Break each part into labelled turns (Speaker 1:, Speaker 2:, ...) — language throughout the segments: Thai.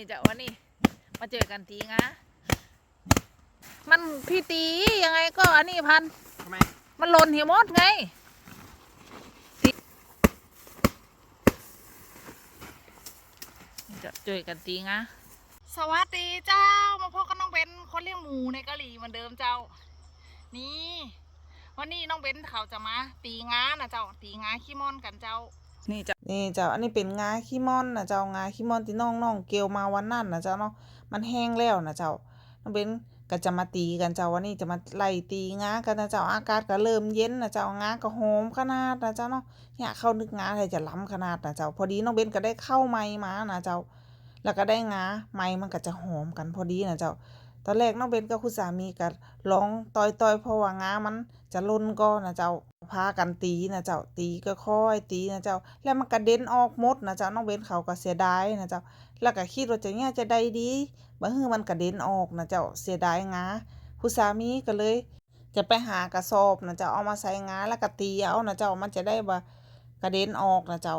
Speaker 1: จะวันนี้มาเจอกันตีงะมันพี่ตียังไงก็อันนี้พันทำไมมันหล่นเหี่ยวมดไงจะเจอกันตีงะสวัสดีเจ้ามาพบกับน้องเบนคนเลี้ยงหมูในกะหรี่เหมือนเดิมเจ้านี่วันนี้น้องเบนเขาจะมาตีงานะเจ้าตีงาขี้ม่อนกันเจ้านี่เจ้าอันนี้เป็นงาขี้ม่อนนะเจ้างาขี้ม่อนที่น้องเกลียวมาวันนั้นนะเจ้าเนาะมันแห้งแล้วนะเจ้าน้องเบนก็จะมาตีกันเจ้าวันนี้จะมาไล่ตีงากันนะเจ้าอากาศก็เริ่มเย็นนะเจ้างาก็หอมขนาดนะเจ้าเนาะเนี่ยเข้านึกงาอะไรจะล้ำขนาดนะเจ้าพอดีน้องเบนก็ได้เข้าไม้มานะเจ้าแล้วก็ได้งาไม้มันก็จะหอมกันพอดีนะเจ้าตอนแรกน้องเบนกับคุณสามีก็ร้องต่อยเพราะว่างามันจะล่นก็นะเจ้าพากันตีนะเจ้าตีก็ค่อยตีนะเจ้าแล้วมันกระเด็นออกหมดนะเจ้าน้องเบนเขาก็เสียดายนะเจ้าแล้วก็คิดว่าจะเนี่ยจะได้ดีบ่ฮื้อมันกระเด็นออกนะเจ้าเสียดายงาคุณสามีก็เลยจะไปหากระสอบนะเจ้าเอามาใส่งาแล้วก็ตีเอานะเจ้ามันจะได้บ่กระเด็นออกนะเจ้า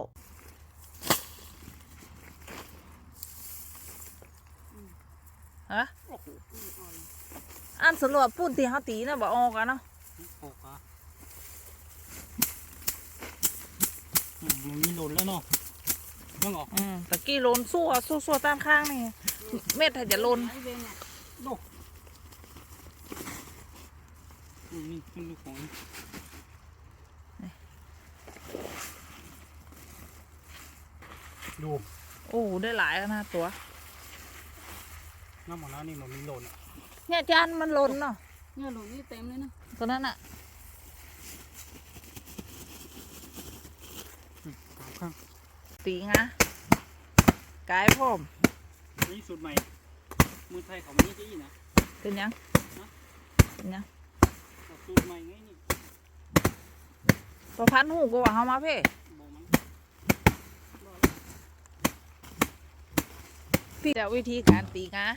Speaker 1: ฮะอันสรุปปุ้นที่เขาตีนะบ่ออกอะเนาะ
Speaker 2: มันมีหล่นแล้วเนาะยังออก
Speaker 1: ตะกี้โลนสู้ตามข้างนี่เม็ดถ้าจะโลน
Speaker 2: นี่เป็นลูกของดู
Speaker 1: โอ้ได้หลายนะตัว
Speaker 2: น้ำหมดแล้วนี่มันมีหล่น
Speaker 1: เนี่ยจานมันหล่นเนาะ
Speaker 3: เนี่ยหล่นนี่เต็มเลยนะ
Speaker 1: ตัวนั้นอะตีงะกายพ่อม
Speaker 2: นี่สูตรใหม่มือไทยเขาไม่ได้ยี่นะ
Speaker 1: เป็นยังเป็นยัง
Speaker 2: สูตรใหม่ไงนี่
Speaker 1: ตัวพันหูกูว่าเขามาเพ่พี่จะวิธีการตีงา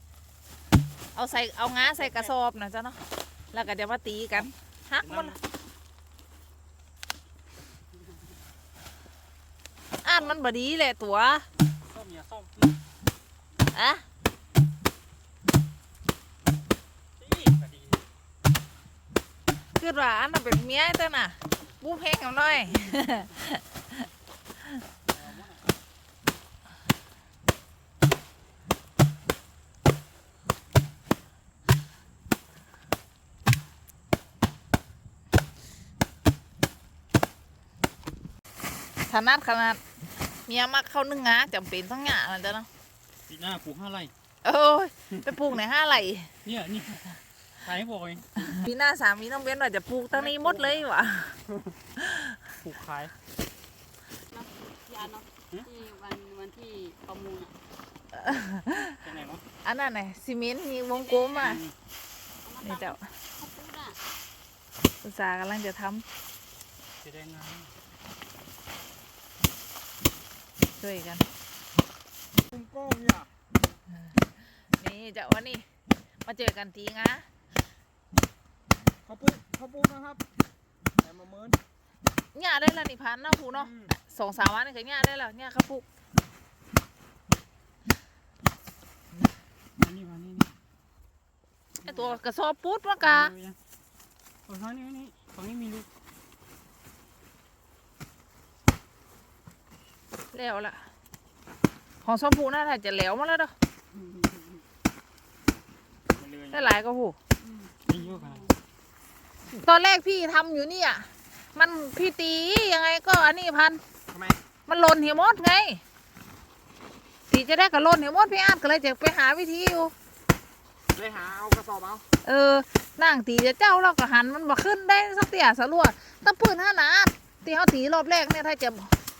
Speaker 1: เอางาใส่กระสอบนะจ๊ะเนาะแล้วก็จะมาตีกันฮักมันอ่านมันบดีเลยตัว
Speaker 2: ส้มอย่าส้ม
Speaker 1: อะคือว่าอันนั้นเป็นเมียเต้นน่ะบูเพลงกันหน่อยขนาดเมียมักเข้านึ่งงาจำเป็นต้องหยามันจ้ะเนาะ
Speaker 2: ปีหน้าปลูก5 ไร่
Speaker 1: โอ้ยไปปลูกไหน5 ไร่
Speaker 2: เนี่ยนี่ขายให้บอกเอง
Speaker 1: ปีหน้าสามีต้องเว้นว่าจะปลูกตั้งนี้หมดเลยวะ
Speaker 2: ปลูกขาย
Speaker 3: ยาเนาะที่วันที่ประมูล
Speaker 2: เป็นไงวะ
Speaker 1: อันนั้นไงซีเมนต์มีวงกลมอ่ะนี่เจ้าอุตสาห์กำลังจะท
Speaker 2: ำจะได้งาน
Speaker 1: ช่วยกัน
Speaker 2: ก้มเนี่ย
Speaker 1: นี่เจ้าวันนี้มาเจอกันตีงะ
Speaker 2: เขาปูนะครับแต่มาเมิน
Speaker 1: หญ้าได้แล้วนี่พันเนาะผูเนาะ2-3 วันนี่ก็หญ้าได้แล้วหญ้าข้าวปุก
Speaker 2: นี่
Speaker 1: ไอตัวกระสอบปุ๊ดมากะ
Speaker 2: ฝั่งนี้มีลูก
Speaker 1: แล้วล่ะของชมพูน่าจะแล้วมาแล้วเด้อได้หลายก็หูตอนแรกพี่ทำอยู่นี่อ่ะมันพี่ตียังไงก็อันนี้พัน
Speaker 2: ทำไม
Speaker 1: มันหล่นเหี่ยวมดไงตีจะได้กับหล่นเหี่ยวมดพี่อาร์ตก็เลยจะไปหาวิธีอยู่
Speaker 2: เลยหาเอากระสอบเอา
Speaker 1: นั่งตีจะเจ้าเราก็หันมันมาขึ้นได้สักเตี่ยสลัวตะปืน5 นัดตีเขาตีรอบแรกเนี่ยถ้าจะ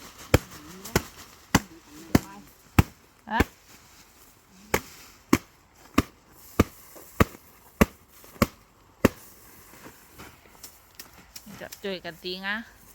Speaker 1: จะช่วยกันตีงะ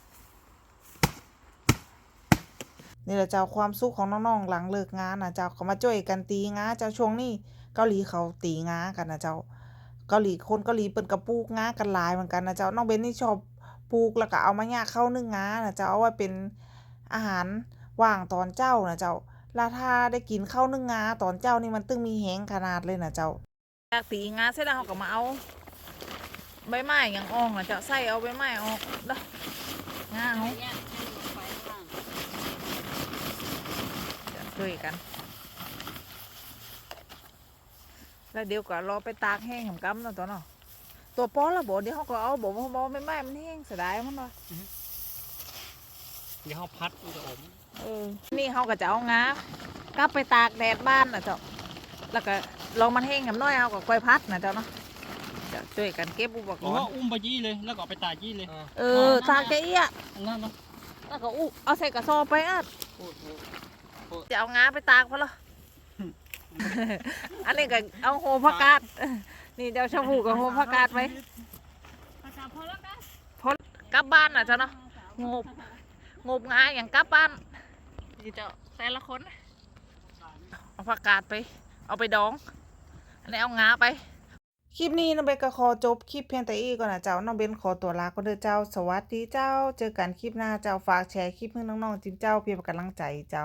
Speaker 1: นี่แหละเจ้าความสุขของน้องๆหลังเลิกงานนะเจ้าเขามาช่วยกันตีงาเจ้าช่วงนี้เกาหลีเขาตีงากันนะเจ้าเกาหลีคนเกาหลีเปิ่นกระปลูกงากันหลายเหมือนกันนะเจ้าน้องเบนนี่ชอบปลูกแล้วก็เอามาย่างเข้านึ่งงานะเจ้าเอาไว้เป็นอาหารว่างตอนเจ้านะเจ้าลาทาได้กินข้าวนึ่งงาตอนเจ้านี่มันตึงมีแหงขนาดเลยนะเจ้าจากตีงาเสร็จแล้วเขาก็มาเอาใบไม้อย่างอ่องนะเจ้าใส่เอาใบไม้ออกเด้องา
Speaker 3: ไป
Speaker 1: เขา
Speaker 3: เนี่ยให้ลงไปข้าง
Speaker 1: ช่วยกันแล้วเดี๋ยวก็รอไปตากแห้งของกำเนาะตัวเนาะตัวป้อละบ่เดี๋ยวเขาก็เอาบ่ไม่ไม้มันแห้งเสียดายมันว่ะ
Speaker 2: เดี๋ยวเขาพัดมันจะอม
Speaker 1: นี่เขาก็จะเอางากลับไปตากแดดบ้านนะเจ้าแล้วก็ลองมันแห้งกับน้อยเอากับกล้วยพัดนะเจ้าเนาะจะช่วยกันเก็บอุปก
Speaker 2: หรือ
Speaker 1: ร
Speaker 2: ว่า
Speaker 1: ณ์
Speaker 2: อุ้มไปยี่เลยแล้วก็เอาไปตากยี่เลย
Speaker 1: ตากแกเอี้ย
Speaker 2: อันนั้นเนาะ
Speaker 1: แล้วก็เอาใส่กระสอบไปอ่ะ
Speaker 2: โอ้โห
Speaker 1: จะเอางาไปตากพอละ อันนี้ก็เอาโหผักกาดนี่เจ้าชาวผูกับโหผักกาดไป
Speaker 3: ภาษาพอแล้วกัน
Speaker 1: กลับบ้านนะเจ้าเนาะงบงาอย่างกลับบ้านนี่เจ้าแต่ละคนเอาผักกาดไป เอาไปดอง อันนี้เอางาไป คลิปนี้น้องเบนก็ขอจบคลิปเพียงแต่อีกก่อนนะเจ้าน้องเบนขอตัวลาก็เด้อเจ้าสวัสดีเจ้าเจอกันคลิปหน้าเจ้าฝากแชร์คลิปให้น้องๆจินเจ้าเพื่อเป็นกำลังใจเจ้า